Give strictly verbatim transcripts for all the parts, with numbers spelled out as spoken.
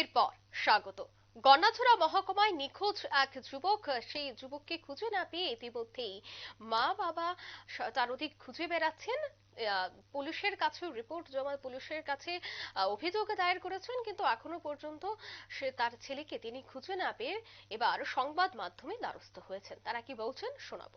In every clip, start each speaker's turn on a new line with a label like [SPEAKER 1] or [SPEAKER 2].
[SPEAKER 1] এরপর স্বাগত। গন্ডাছড়া মহকুমায় নিখোঁজ এক যুবক, সেই যুবককে খুঁজে না পেয়ে ইতিমধ্যেই মা বাবা চারদিক খুঁজে বেড়াচ্ছেন। আহ, পুলিশের কাছেও রিপোর্ট জমা, পুলিশের কাছে আহ, অভিযোগ দায়ের করেছেন, কিন্তু এখনো পর্যন্ত সে তার ছেলেকে তিনি খুঁজে না পেয়ে এবার সংবাদ মাধ্যমে দ্বারস্থ হয়েছেন। তারা কি বলছেন শোনাবো।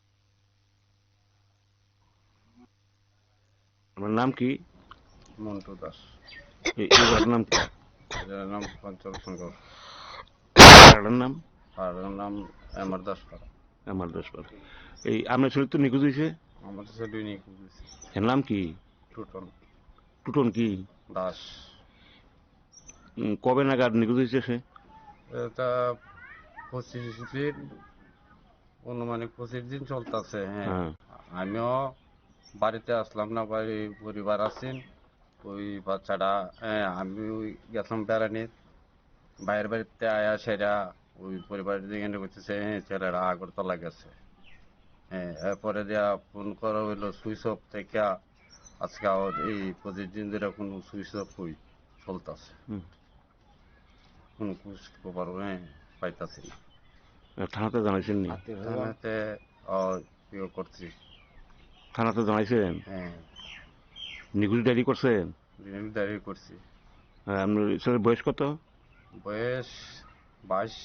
[SPEAKER 2] আমার নাম কি?
[SPEAKER 3] মন্টু দাস।
[SPEAKER 2] এই এই জায়গাটার নাম কি?
[SPEAKER 3] এটার নাম পঞ্চল শঙ্কর।
[SPEAKER 2] জায়গাটার নাম
[SPEAKER 3] আর এর নাম আমার দাস পাড়া।
[SPEAKER 2] আমার দশপাড়া। এই আপনার ছেলে তো নিখোঁজ হয়েছে,
[SPEAKER 3] আমাদের সাথে দুই নিয়ে খুঁজেছি।
[SPEAKER 2] এর নাম কি?
[SPEAKER 3] টুটন
[SPEAKER 2] টুটন কি?
[SPEAKER 3] দাস।
[SPEAKER 2] উম, কবে নাগাদ নিখোঁজ হয়েছে সে?
[SPEAKER 3] এটা পঁচিশ দিন, অনুমানিক পঁচিশ দিন চলতেছে। হ্যাঁ,
[SPEAKER 2] হ্যাঁ।
[SPEAKER 3] আমিও বাড়িতে আসলাম না, বাড়ি পরিবার আছেন। ওই বাচ্চাটা, হ্যাঁ, আমি ওই গেছিলাম বেড়ানির বাইরের বাড়িতে আয়া সেরা ওই পরিবারের দিকে করতেছে, হ্যাঁ ছেলেরা আগরতলা গেছে। হ্যাঁ, এরপরে দেয়া ফোন করা হইলো সুইচ অফ থেকে। আজকে আবার এই পঁচিশ দিন ধরে কোনো সুইচ অফ হই চলতেছে,
[SPEAKER 2] হুম।
[SPEAKER 3] কোনো খোঁজ খবর হ্যাঁ পাইতাছি না।
[SPEAKER 2] আহ, থানাতে জানাইছেন নি?
[SPEAKER 3] থানাতে ইয়ে করছি।
[SPEAKER 2] থানাতে জানাইছেন?
[SPEAKER 3] হ্যাঁ,
[SPEAKER 2] নিখোঁজ ডায়েরি করছেন?
[SPEAKER 3] দাঁড়িয়ে করছি।
[SPEAKER 2] হ্যাঁ, আপনার ছেলের বয়স কত?
[SPEAKER 3] বয়স বাইশ।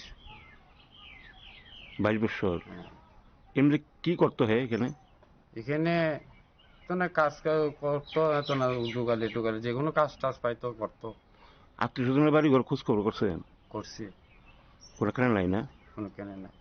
[SPEAKER 2] বাইশ বছর।
[SPEAKER 3] হ্যাঁ,
[SPEAKER 2] এমনি কি করতে হয় এখানে?
[SPEAKER 3] এখানে তো না কাজ কা- করতো, এত না ডুগালি টুগালি যে কোনো কাজ টাজ পাইতো করতো।
[SPEAKER 2] আত্মীয় স্বজনের বাড়ি ঘর খোঁজ খবর করছেন?
[SPEAKER 3] করছি,
[SPEAKER 2] ওরা কেন নাই না?
[SPEAKER 3] কোনো কেনে না।